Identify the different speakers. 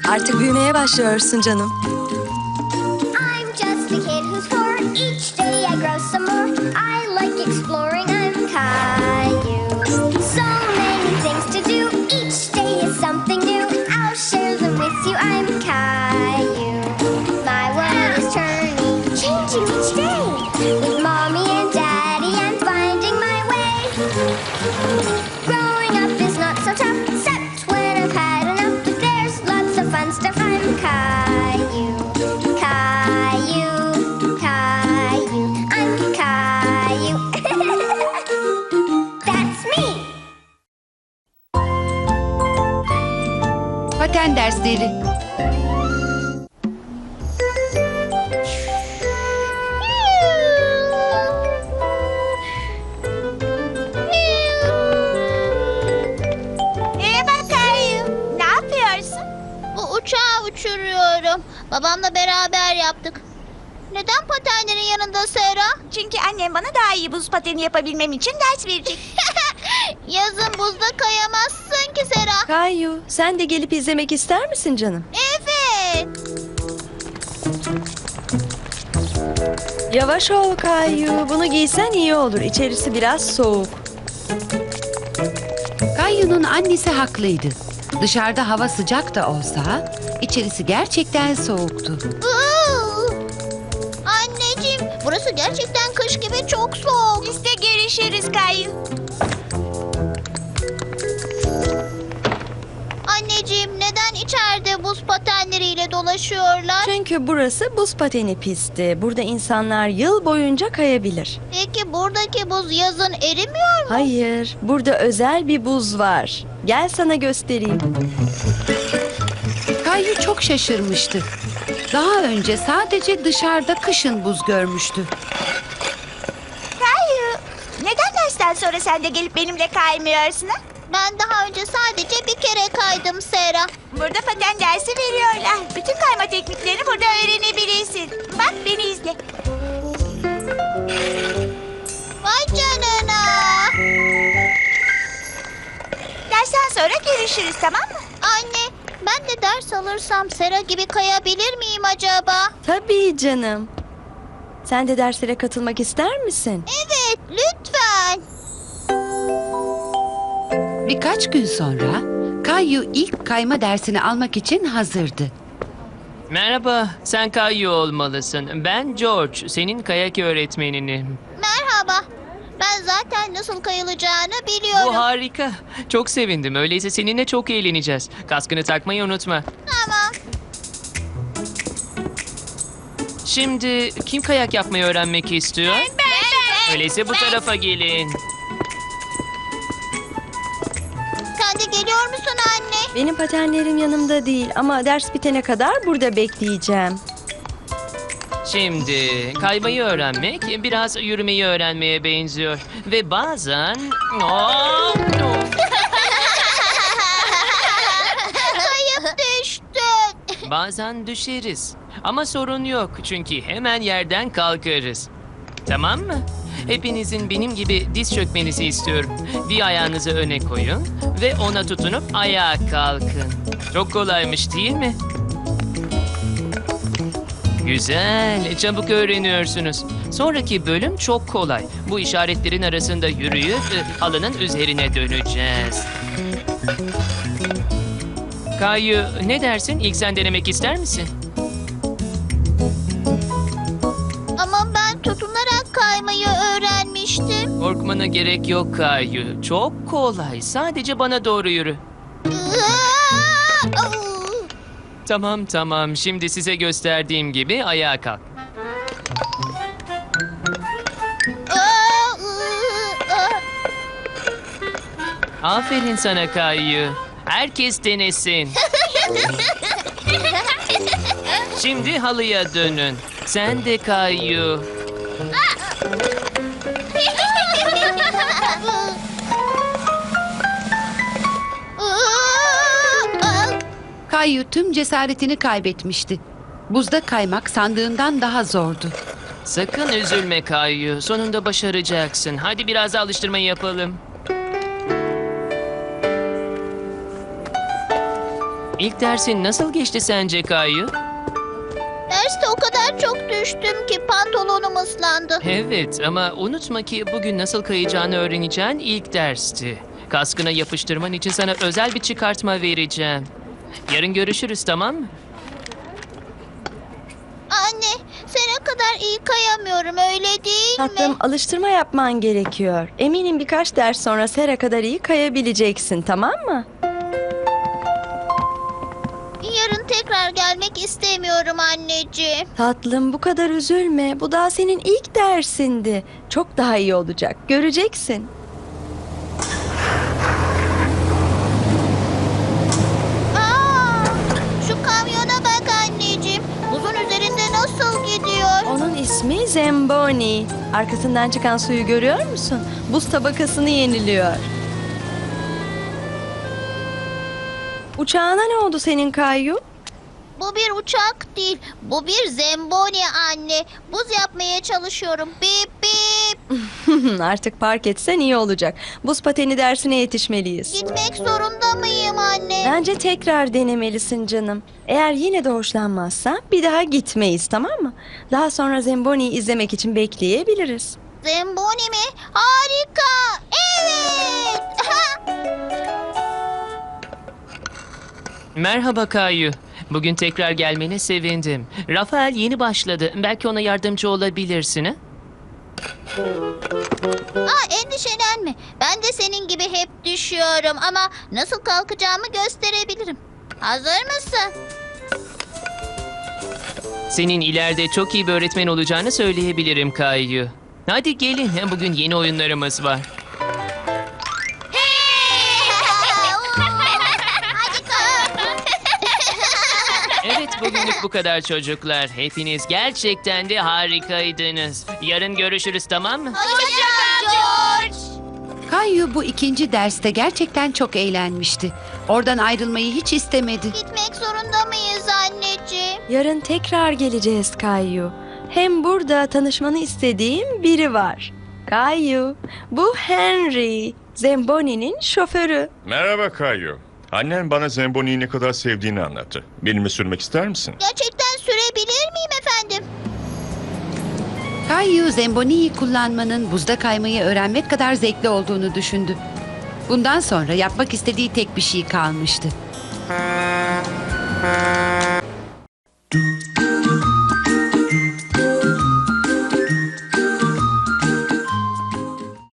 Speaker 1: Artık büyümeye başlıyorsun canım.
Speaker 2: I'm just a kid who's four. Each day I grow some more. I like exploring. I'm Caillou. So many things to do. Each day is something new. I'll share them with you. I'm Caillou. My world is turning, changing each day. With mommy and daddy, I'm finding my way. Growing up is not so tough, except when I've had enough. But there's lots of fun stuff. I'm Caillou. Caillou, Caillou, I'm Caillou. That's me.
Speaker 3: Paten dersleri.
Speaker 4: Merhaba Kayu. Ne yapıyorsun?
Speaker 5: Bu uçağı uçuruyorum. Babamla beraber yaptık. Neden patenlerin yanında Sera?
Speaker 4: Çünkü annem bana daha iyi buz pateni yapabilmem için ders verecek.
Speaker 5: Yazın buzda kayamazsın ki Sera.
Speaker 1: Kayu, sen de gelip izlemek ister misin canım?
Speaker 5: Evet.
Speaker 1: Yavaş ol Kayu. Bunu giysen iyi olur. İçerisi biraz soğuk.
Speaker 3: Kayu'nun annesi haklıydı. Dışarıda hava sıcak da olsa içerisi gerçekten soğuktu.
Speaker 5: Iıı. Anneciğim, burası gerçekten kış gibi çok soğuk.
Speaker 4: İşte görüşürüz Kayu.
Speaker 5: Anneciğim, neden içeride buz patenleriyle dolaşıyorlar?
Speaker 1: Çünkü burası buz pateni pisti. Burada insanlar yıl boyunca kayabilir.
Speaker 5: Peki buradaki buz yazın erimiyor mu?
Speaker 1: Hayır, burada özel bir buz var. Gel sana göstereyim.
Speaker 3: Kayu çok şaşırmıştı. Daha önce sadece dışarıda kışın buz görmüştü.
Speaker 4: Kayu, neden dersten sonra sen de gelip benimle kaymıyorsun ha?
Speaker 5: Ben daha önce sadece bir kere kaydım Sera.
Speaker 4: Burada paten dersi veriyorlar. Bütün kayma tekniklerini burada öğrenebilirsin. Bak beni izle.
Speaker 5: Vay canına.
Speaker 4: Dersten sonra görüşürüz, tamam mı?
Speaker 5: Anne, ben de ders alırsam Sera gibi kayabilir miyim acaba?
Speaker 1: Tabii canım. Sen de derslere katılmak ister misin?
Speaker 5: Evet, lütfen.
Speaker 3: Birkaç gün sonra Kayu ilk kayma dersini almak için hazırdı.
Speaker 6: Merhaba, sen Kayu olmalısın. Ben George, senin kayak öğretmeninim.
Speaker 5: Merhaba. Ben zaten nasıl kayılacağını biliyorum.
Speaker 6: Bu harika. Çok sevindim. Öyleyse seninle çok eğleneceğiz. Kaskını takmayı unutma.
Speaker 5: Tamam.
Speaker 6: Şimdi kim kayak yapmayı öğrenmek istiyor? Öyleyse bu tarafa gelin.
Speaker 5: Sen de geliyor musun anne?
Speaker 1: Benim patenlerim yanımda değil ama ders bitene kadar burada bekleyeceğim.
Speaker 6: Şimdi kaymayı öğrenmek biraz yürümeyi öğrenmeye benziyor. Ve bazen...
Speaker 5: Kayıp düştün.
Speaker 6: Bazen düşeriz. Ama sorun yok çünkü hemen yerden kalkarız. Tamam mı? Hepinizin benim gibi diz çökmenizi istiyorum. Bir ayağınızı öne koyun ve ona tutunup ayağa kalkın. Çok kolaymış değil mi? Güzel, çabuk öğreniyorsunuz. Sonraki bölüm çok kolay. Bu işaretlerin arasında yürüyüp halının üzerine döneceğiz. Kayu, ne dersin? İlk sen denemek ister misin?
Speaker 5: Ama ben tutunarak kaymayı öğrenmiştim.
Speaker 6: Korkmana gerek yok Kayu. Çok kolay. Sadece bana doğru yürü. Tamam. Şimdi size gösterdiğim gibi ayağa kalk. Aferin sana Kayu. Herkes denesin. Şimdi halıya dönün. Sen de Kayu.
Speaker 3: Kayu tüm cesaretini kaybetmişti. Buzda kaymak sandığından daha zordu.
Speaker 6: Sakın üzülme Kayu. Sonunda başaracaksın. Hadi biraz da alıştırmayı yapalım. İlk dersin nasıl geçti sence Kayu?
Speaker 5: Derste o kadar çok düştüm ki pantolonum ıslandı.
Speaker 6: Evet ama unutma ki bugün nasıl kayacağını öğreneceğin ilk dersti. Kaskına yapıştırman için sana özel bir çıkartma vereceğim. Yarın görüşürüz, tamam mı?
Speaker 5: Anne, sene kadar iyi kayamıyorum öyle değil
Speaker 1: Tatlım,
Speaker 5: mi?
Speaker 1: alıştırma yapman gerekiyor. Eminim birkaç ders sonra Sera kadar iyi kayabileceksin, tamam mı?
Speaker 5: Yarın tekrar gelmek istemiyorum anneciğim.
Speaker 1: Tatlım, bu kadar üzülme. Bu daha senin ilk dersindi. Çok daha iyi olacak. Göreceksin.
Speaker 5: Aa, şu kamyona bak anneciğim. Buzun üzerinde nasıl gidiyor?
Speaker 1: Onun ismi Zemboni. Arkasından çıkan suyu görüyor musun? Buz tabakasını yeniliyor. Uçağına ne oldu senin Kayu?
Speaker 5: Bu bir uçak değil. Bu bir zemboni anne. Buz yapmaya çalışıyorum. Bip bip.
Speaker 1: Artık park etsen iyi olacak. Buz pateni dersine yetişmeliyiz.
Speaker 5: Gitmek zorunda mıyım anne?
Speaker 1: Bence tekrar denemelisin canım. Eğer yine de hoşlanmazsan bir daha gitmeyiz, tamam mı? Daha sonra Zemboni'yi izlemek için bekleyebiliriz.
Speaker 5: Zemboni mi? Harika. Evet.
Speaker 6: Merhaba Kayu. Bugün tekrar gelmene sevindim. Rafael yeni başladı. Belki ona yardımcı olabilirsin, ha?
Speaker 5: Endişelenme. Ben de senin gibi hep düşüyorum ama nasıl kalkacağımı gösterebilirim. Hazır mısın?
Speaker 6: Senin ileride çok iyi bir öğretmen olacağını söyleyebilirim Kayu. Hadi gelin, bugün yeni oyunlarımız var.
Speaker 5: Hadi kalk.
Speaker 6: Evet, bugünlük bu kadar çocuklar. Hepiniz gerçekten de harikaydınız. Yarın görüşürüz, tamam mı?
Speaker 5: Hoşça kal George.
Speaker 3: Kayu bu ikinci derste gerçekten çok eğlenmişti. Oradan ayrılmayı hiç istemedi.
Speaker 5: Gitmek zorunda mıyız anneciğim?
Speaker 1: Yarın tekrar geleceğiz Kayu. Hem burada tanışmanı istediğim biri var. Kayu, bu Henry, Zemboni'nin şoförü.
Speaker 7: Merhaba Kayu. Annen bana Zemboni'yi ne kadar sevdiğini anlattı. Benimle sürmek ister misin?
Speaker 5: Gerçekten sürebilir miyim efendim?
Speaker 3: Kayu Zemboni'yi kullanmanın buzda kaymayı öğrenmek kadar zevkli olduğunu düşündü. Bundan sonra yapmak istediği tek bir şey kalmıştı.